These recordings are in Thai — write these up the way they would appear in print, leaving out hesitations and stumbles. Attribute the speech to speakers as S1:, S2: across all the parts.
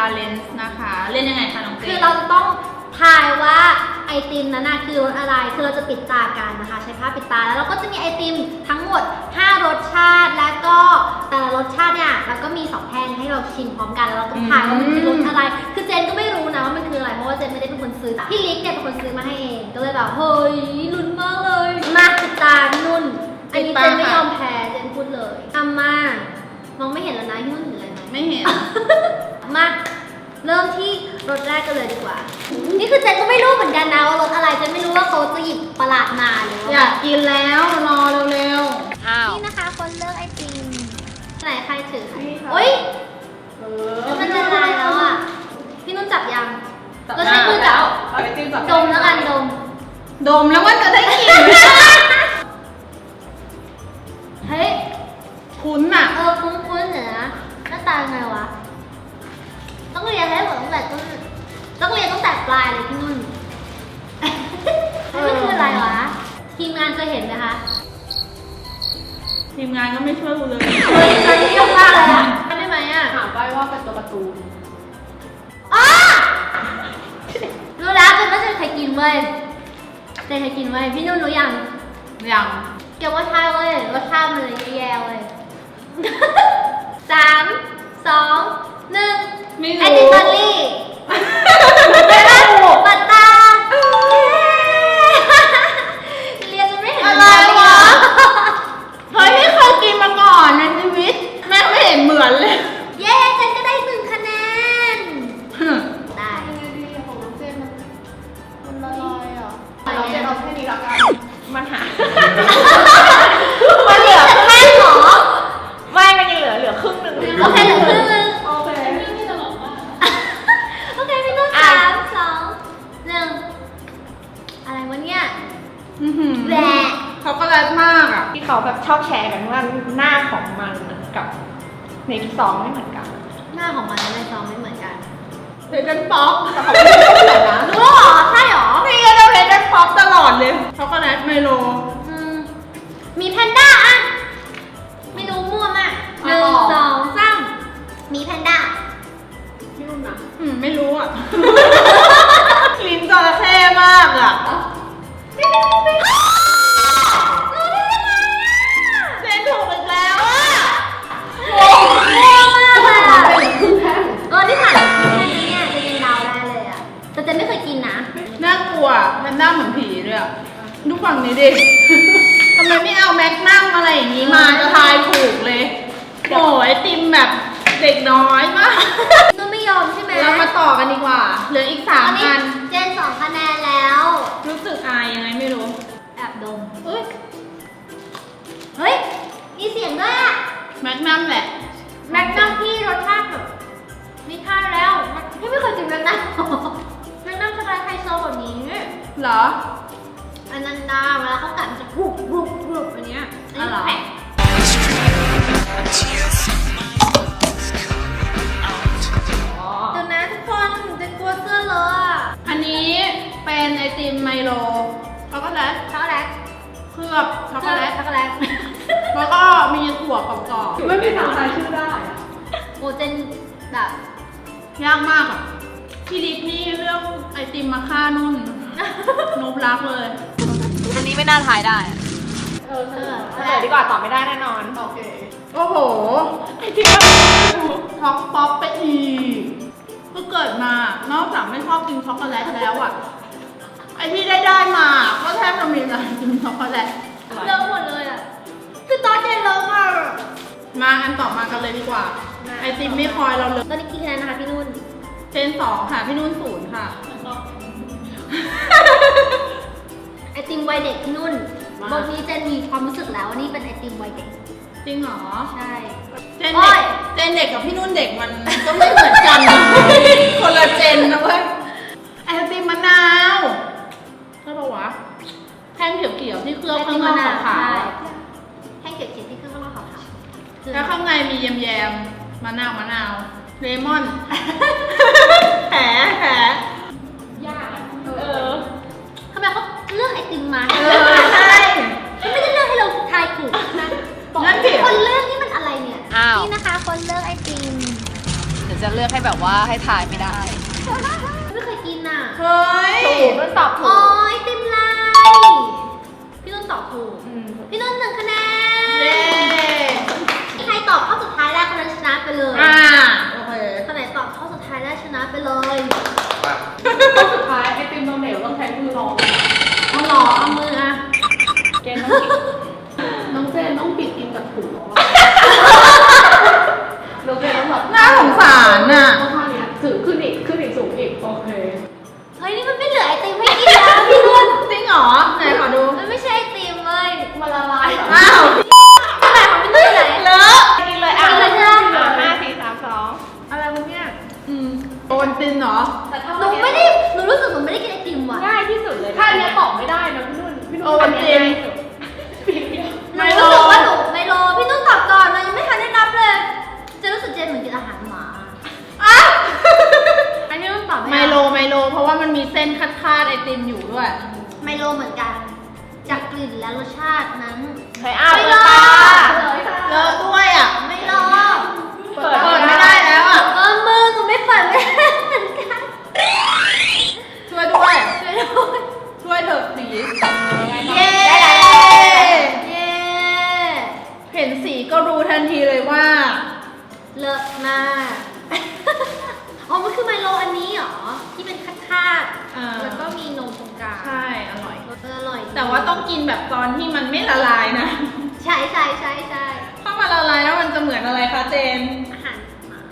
S1: challenge นะคะเล่นยังไงคะน้องเจน
S2: คือเราจะต้องทายว่าไอติมนั้นคือรสอะไรคือเราจะปิดตากันนะคะใช้ผ้าปิดตาแล้วเราก็จะมีไอติมทั้งหมด5รสชาติแล้วก็แต่ละรสชาติเนี่ยเราก็มี2แท่งให้เราชิมพร้อมกันแล้วเราต้องทายว่ามันคือรสอะไรคือเจนก็ไม่รู้นะว่ามันคืออะไรเพราะว่าเจนไม่ได้เป็นคนซื้อพี่ลิกเนี่ยเป็นคนซื้อมาให้เองก็เลยแบบเฮ้ยลุ้นมากเลยมาปิดตานุ่นอันนี้เจนไม่ยอมแพ้เจนพูดเลยทำมามองไม่เห็นแล้วนะยุ่นหรืออะไรนะ
S1: ไม่เห็น
S2: มาเริ่มที่รสแรกกันเลยดีกว่านี่คือเจนก็ไม่รู้เหมือนกันนะว่ารสอะไรเจนไม่รู้ว่าเขาจะหยิบประหลาดมาหรือว่า
S1: อยากกินแล้วรอเร็วๆ
S2: นี่นะคะคนเลือกไอติมไหนใครถือโอ๊ยมันจะลายแล้วอ่ะพี่นุ่นจับยังก็ใช้มือจับดมแล้วกัน
S1: ดมแล้วว่าจะได้กิน
S2: เฮ้ย
S1: คุ้นอ่ะ
S2: คุ้นๆเนี่ยนะหน้าตาไงวะต้องเรียนให้หมดตั้งแต่ต้นต้องเรียนตั้งแต่ปลายเลยพี่นุ่นนี่คืออะไรวะทีมงานเคยเห็นไหมคะ
S1: ทีมงานก็ไม่ช่วยกูเลย
S2: ตอนนี้ยกมากเลยอ่ะได้ไหมอ่ะ
S3: ถามไปว่าเป็นตัวการ์ตูน
S2: รู้แล้วเป็นว่าจะใครกินเว้ยจะใครกินเว้ยพี่นุ่นรู้ยังเกี่ยวว่าใช่เว้ยรสชาติมันเลยแย่ๆเว้ย3 2 1ไอติมบัลลี่ปัตตาเรียนจะไม่เห็น
S1: อะไรวะเฮ้ยไม่เคยกินมาก่อนในชีวิตแม่ไม่เห็นเหมือนเลย
S2: เย้เจนก็ได้1 คะแนนได้
S3: ของน้องเจนมันละลายอ่ะเราเจนเอาแค่นี้ละกัน
S1: มันหา
S2: มันเหลือแค่หรอ
S1: ไม่มันยังเหลือครึ่งนึง
S2: โอเคเหลือครึ่งนึง
S3: โอเค
S2: พี่ตลกมากโอเคพี่นุ่น3 2 1อะไรวะเนี่ยแหละ
S1: ช็อกโกแลตมากอ่ะ
S3: ที่เขาแบบชอบแชร์กันว่าหน้าของมันกับในซองไม่เหมือนกัน
S2: หน้าของมันและในซองไม่เหมือนกัน
S1: เพดานป๊อป
S3: แต่เขาไม่ได้เหมือนนะ
S2: รู้หรอใช่หรอ
S1: นี่ก็จะเพดานป๊อปตลอดเลยช็อกโกแลตไมโล
S2: มีแพนด้าอ่ะไม่รู้มั่วมาก1 2 3มีแพนด้า
S3: พี่นุ่นนะ
S1: ไม่รู้อ่ะลิ้นจระเข้มากอ่ะเจนถูกอีกแล้วอ่ะ
S2: โง่มากอ่ะที่ผ่านเนี่ยจะยังเดาได้เลยอ่ะแต่เจนไม่เคยกินนะ
S1: น่ากลัวแพนด้าเหมือนผีเลยอ่ะดูฝั่งนี้ดิทำไมไม่เอาแม็กนัมอะไรอย่างนี้มาจะทายถูกเลยโอ้ยไอติมแบบเด็กน้อยมาก
S2: นุ่นไม่ยอมใช่ไหม
S1: เรามาต่อกันดีกว่าเหลืออีก3 อัน
S2: เจน2 คะแนนแล้ว
S1: รู้สึกอายยังไงไม่รู้
S2: แอบดมเฮ้ยมีเสียงด้วยอ่ะ
S1: แม็กนัมแหละ
S2: แม็กนัมที่รสชาติแบบนี่ค่าแล้วพี่ไม่เคยกินแม็กนัมแม็กนัมสไตล์ไฮโซแบบนี้
S1: เหรอ
S2: อันนั้นนะเวลาเขากัดมันจะกรุบอันเนี้ยอันนี้แข็งเดี๋ยวนะทุกคนจะกลัวเสื้อเลยอ่ะ
S1: อันนี้เป็นไอติมไมโลช็อกโกแลต
S2: เคลื
S1: อบช็อกโกแลตแล้วก็มีถั่วกรอบ
S3: ๆไม่มีทางทายชื่อได้
S2: โอเจนแบบ
S1: ยากมากอ่ะพี่ดิ๊กนี่เรื่องไอติมมาฆ่านุ่นนบรักเลย
S4: อันนี้ไม่น่าทายได้
S3: เฉลยดีกว่าตอบไม่ได้แน่นอนโอเค
S1: โอ้โหไอติมช็อกป๊อปไปอีกก็เกิดมานอกจากไม่ชอบกินช็อกโกแลตแล้วอ่ะไอที่ได้มาก็แทบจะมีอะไรกินช็อกโกแลต
S2: เลิกหมดเลยอ่ะคือตอนเจนเลิกมาก
S1: มาอันต่อมากันเลยดีกว่าไอติมไม่คอยเราเลย
S2: ตอนนี้กี่คะแนนนะคะพี่นุ่น
S1: เจน2ค่ะพี่นุ่น0ค่ะ
S2: ไอติมวัยเด็กพี่นุ่นบทนี้เจนมีความรู้สึกแล้วว่านี่เป็นไอติมวัยเด็ก
S1: จริงเหรอ
S2: ใช่
S1: เจนเด็กกับพี่นุ่นเด็กมันก็ไม่เหมือนกันคนละเจนนะเว้ยไอติมมะนาวใช่ปะวะแท่งเขียวๆที่เคลือบข้างนอกขาว
S2: แท่งเขียวๆที่เคลือบข้างนอกขาว
S1: แล้วข้างในมีแยมมะนาวเลมอนแผล
S3: ยาก
S2: ทำไมเขาเลือกไอติมมา
S1: ใช่
S2: เขาไม่ได้เลือกให้เราทายถูกนะคนเลือกนี่มันอะไรเนี่ยนี่นะคะคนเลือกไอติม
S4: จะเลือกให้แบบว่าให้ถ่ายไม่ได้
S2: ไม่เคยกินอ่ะ
S1: เฮ้ย
S3: ถูกมันตอบถู
S2: อ๋อก ไอติมลายพี่นุ่นตอบถูก พี่นุ่น1 คะแน
S1: เย้
S2: นใครตอบข้อสุดท้ายได้คนนั้นชนะไปเลย
S1: โอเค
S2: คนไหนตอบข้อสุดท้ายได้ชนะไปเลย
S3: ข้อสุดท้ายไอติมนมเหลวต้องใช้มือรอง
S2: เอาหรอเอามืออะ
S3: เกณฑ์ต้องปิดน้องเจนต้องปิดกินกับถุงน้องเจนต้องแบบ
S1: น่าสงสารน่ะ
S3: ต้องท่านี้ถือขึ้นอีกสูงอีกโอเค
S2: เฮ้ยนี่มันไม่เหลือไอติมให้กินแล้วพี่นุ่น
S1: จริงเหรอ ไหนขอดู
S2: มันไม่ใช่ไอติมเว้ย
S3: มันละลายเหรอ
S1: อ้าว
S2: ขนาดของพี่นุ่นไหน
S1: เลอะ
S3: กินเลยอ่ะ
S2: กินเลยใช่ไหม
S3: 5 4 3 2อะไรวะเนี่ย
S1: โดนตินเหรอ
S3: แต่ถ้า
S2: หนูไม่ได้หนูรู้สึกหนูไม่ได้กินไอติมว่ะ
S3: ง่ายที่สุดเลยถ้าอันเนี้ยตอบไม่ได้นะพี่นุ่น
S1: โอ้วันจริง
S2: หนูรู้สึกว่าหนูไมโลพี่นุ่นตอบก่อนเรายังไม่ทันได้นับเลย จะรู้สึกเจนเหมือนกินอาหารหมา
S3: อันนี้ต้องตอบ
S1: ไมโล เพราะว่ามันมีเส้นคาดๆไอติมอยู่ด้วย
S2: ไมโลเหมือนกัน จากกลิ่นและรสชาตินั้น
S3: เคยอ้าว
S2: ไม่
S3: เปิ
S2: ร
S3: ด
S2: อ
S3: ตา
S1: เลอะด้วยอ่ะ
S2: ไม่รอ
S1: เปิดไม่ได้แล้วอ่ะ
S2: มือหนูไม่เปิดไม่ได้เหมือนกัน
S1: ช่วยด้วย
S2: ช่วยด้วย
S1: ช่วยเถอะสี
S2: เย้ เย้
S1: เห็นสีก็รู้ทันทีเลยว่า
S2: เลิศมาก อ๋อ มันคือไมโลอันนี้เหรอ ที่เป็นคาด
S1: อ่า
S2: ๆแล้วก็มีนมตรงกลาง
S1: ใช่ อร่อย
S2: อร่อย
S1: แต่ว่าต้องกินแบบตอนที่มันไม่ละลายนะ
S2: ใช่ใช่ใช่ใช่
S1: ถ้ามันละลายแล้วมันจะเหมือนอะไรคะเจน
S2: อาหารหมา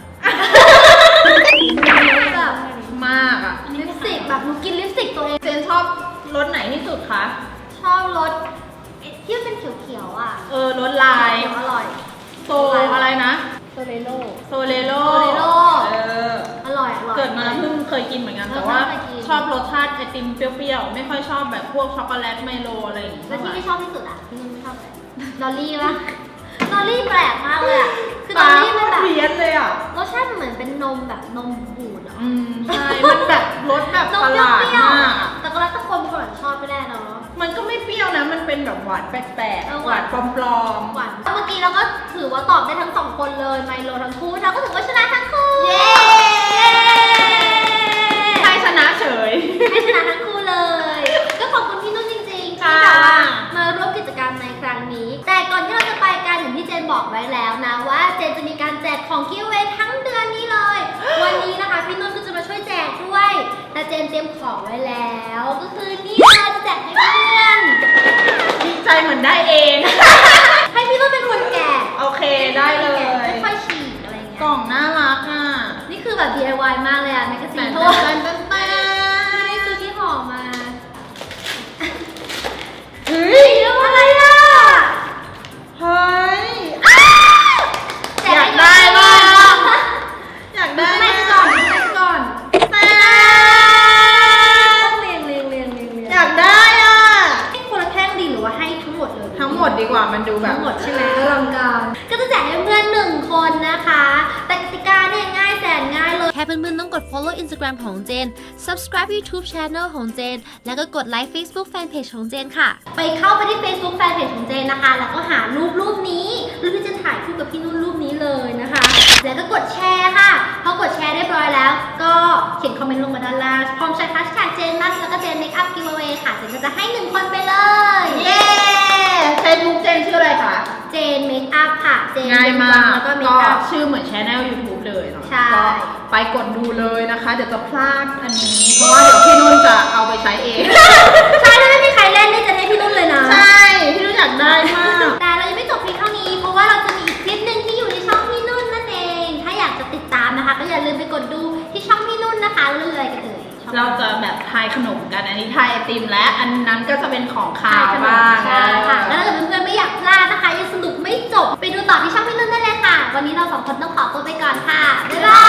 S2: แบบ
S1: มากอ่ะ
S2: ลิปสติกแบบหนูกินลิปสติกตัวเอง
S1: เจนชอบรสไหนที่สุดคะ
S2: ชอบรสที่มันเป็นเขียวๆอ่ะ
S1: รสลาย
S2: เขียวอร่อย
S1: โซอะไรนะ
S3: โซเลโล
S1: โซเลโล
S2: อร่อยอร่อย
S1: เกิดมาเพิ่งเคยกินเหมือนกัน แต่ว่า
S2: เคยกิน
S1: ชอบรสชาติไอติมเปรี้ยวๆ ไม่ค่อยชอบแบบพวกช็อกโกแลตไมโลอะไรอย่างงี้
S2: แล้วที่ไม่ชอบที่สุดอ่ะที่นุ่นไม่ชอบเลยดอลลี่ปะดอลลี่แปลกมากเลยอ่ะ คือดอลลี่มันแบบ
S1: เพี้ยนเลยอ่ะ
S2: รสชาติมันเหมือนเป็นนมแบบนมบูดเหรอ
S1: ใช่ มันแบบรสแบบ
S2: นม
S1: ประ
S2: เป
S1: หลาด
S2: รี้ยว
S1: มาก
S2: ๆ
S1: อะ
S2: แต่ก็แล้วแต่คนชอบไม่ได้เนาะ
S1: มันก็ไม่เปรี้ยวนะ มันเป็นแบบหวานแปลก
S2: เออ
S1: ๆ
S2: ห
S1: ห
S2: วาว
S1: าน นปลอม
S2: หวานเมื่อกี้เราก็ถือว่าตอบได้ทั้งสองคนเลยไมโลทั้งคู่เราก็ถือว่าชนะทั้งคู่ เย้
S1: ๆใครชนะเฉย
S2: ให้ชนะทั้งคู่เลย ก็ขอบคุณพี่นุ่นจริงๆที่
S1: ค่ะ
S2: แบบว่ามาร่วมกิจกรรมในครั้งนี้ แต่ก่อนที่เราจะไปกันอย่างที่เจนบอกไว้แล้วนะว่าเจนจะมีการแจกของกิฟต์เวย์ทั้งเดือนนี้เลย วันนี้นะคะพี่นุ่นก็จะมาช่วยแจกด้วย แต่เจนเตรียมของไว้แล้ว ก็คือนี่เลยจะแจกให้เพื่อน
S1: ดีใจเหมือนได้เอง
S2: ให้พี่นุ่นเป็นคนแกะ
S1: โอเคได้เลย
S2: ค่อยๆฉีกอะไรเงี้ย
S1: กล่องน่ารักอ่ะ
S2: นี่คือแบบ DIY มากเลยอะแมกกาซีนเพราะ
S1: แต่
S2: ว่า
S1: แต่
S2: นี่คือที่ห่อมา
S1: เฮ้
S2: เฮ้
S1: ย
S2: ยแล้วอะไรอะ
S1: เฮ้ย
S2: แจกให้
S1: อยากได้มาก อยากได้
S2: ไม่
S1: มาก
S2: ก่อนไม่ก่อน
S1: แต่
S2: ต้องเรียง
S1: อยากได้อ่ะ
S2: ให้คนละแท่งดีหรือว่าให้ทั้งหมดเลย
S1: ทั้งหมดดีกว่ามันดูแบบ
S2: ทั้งหมดใช่ไหมอลังการก็จะแจกให้เพื่อนหนึ่งคนนะคะ แต่กติกาเนี่ยง่ายแสนง่ายเลย
S5: แค่เพื่อนๆต้องกด follow Instagram ของเจน subscribe YouTube Channel ของเจน แล้วก็กดไลค์ Facebook Fanpage ของเจนค่ะ
S2: ไปเข้าไปที่ Facebook Fanpage ของเจนนะคะ แล้วก็หารูปนี้รูปที่เจนถ่ายคู่กับพี่นุ่นรูปนี้เลยนะคะ แล้วก็กดแชร์ค่ะ พอกดแชร์เรียบร้อยแล้ว ก็เขียนคอมเมนต์ลงมาด้านล่างพร้อมใช้ hashtag เจนนัทแล้วก็เจนเมคอัพกิฟต์เวย์ค่ะ เจนก็จะให้1คนไปเลย
S1: เย้เฟซบุ๊กเจนชื่ออะไรคะ
S2: เจนเมคอัพค่ะ เจน
S1: ง่ายมาก
S2: แล้วก็เม
S1: ก็
S2: คอัพ
S1: ชื่อเหมือนช anel YouTube เลยเนาะ
S2: ใช่
S1: ก็ไปกดดูเลยนะคะ เดี๋ยวจะพลาดอันนี้ เพราะว่าเดี๋ยวพี่นุ่นจะเอาไปใช้เอง
S2: ใช่ถ้าไม่มีใครเล่นนี่จะให้พี่นุ่นเลยนะ
S1: ใช่ พี่นุ่นอยากได้มาก
S2: แต่เรายังไม่จบเพียงเท่านี้ เพราะว่าเราจะมีอีกคลิปหนึ่งที่อยู่ในช่องพี่นุ่นนั่นเอง ถ้าอยากจะติดตามนะคะ ก็อย่าลืมไปกดดูที่ช่องพี่นุ่นนะคะเรื่องอะไรกันเอ่ยช่อง
S1: เราจะแบบทายขนมกัน อันนี้ทายไอติมและอันนั้นก็จะเป็นของคาว
S2: ขนม
S1: บ้าง
S2: ใช่ค่ะ แล้วถ้าเกิดเพื่อนๆไม่อยากพลาดนะคะยังสนุกไม่จบ ไปดูต่อที่ช่องพี่นุ่นได้เลยค่ะ วันนี้เราสองคนต้องขอตัวไปก่อนค่ะ บ๊ายบาย